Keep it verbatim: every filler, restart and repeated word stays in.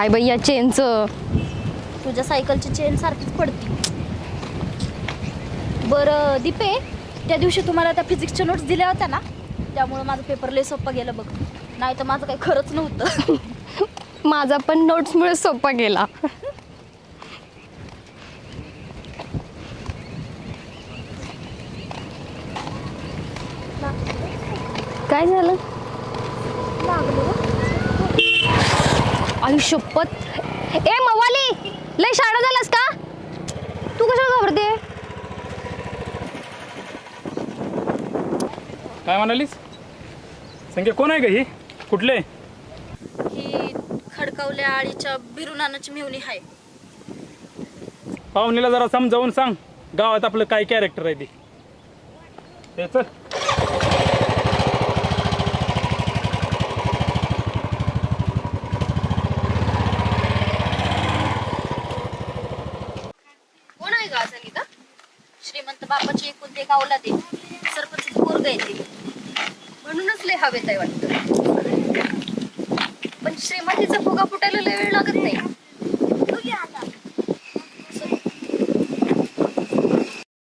काय बाई या चेनचं. तुझ्या सायकलची चेन सारखीच पडती. बरं दीपे, त्या दिवशी तुम्हाला त्या फिजिक्सच्या नोट्स दिल्या होत्या ना, त्यामुळे माझं पेपर लय सोपं गेलं बघ. नाही तर माझं काही खरंच नव्हतं. माझा पण नोट्समुळे सोपा गेला. काय झालं? आयुष्यपत. ए मवाली, लय शाळा झालास का? तू कशाला घाबरते? काय म्हणालीस? संख्या कोण आहे का ही? कुठले? ही खडकावल्या आळीच्या बिरुनानाची मेहुणी आहे. पाहुणीला जरा समजावून सांग गावात आपलं काय कॅरेक्टर आहे ते. हे चल. कोण आहे का संगीता? श्रीमंत बापाची एकूण ते गावला दे सरपंच पोरग येते म्हणूनच लय हवेत आहे वाटतं. पण श्रीमंतीचा फुगा फुटायला लय वेळ लागत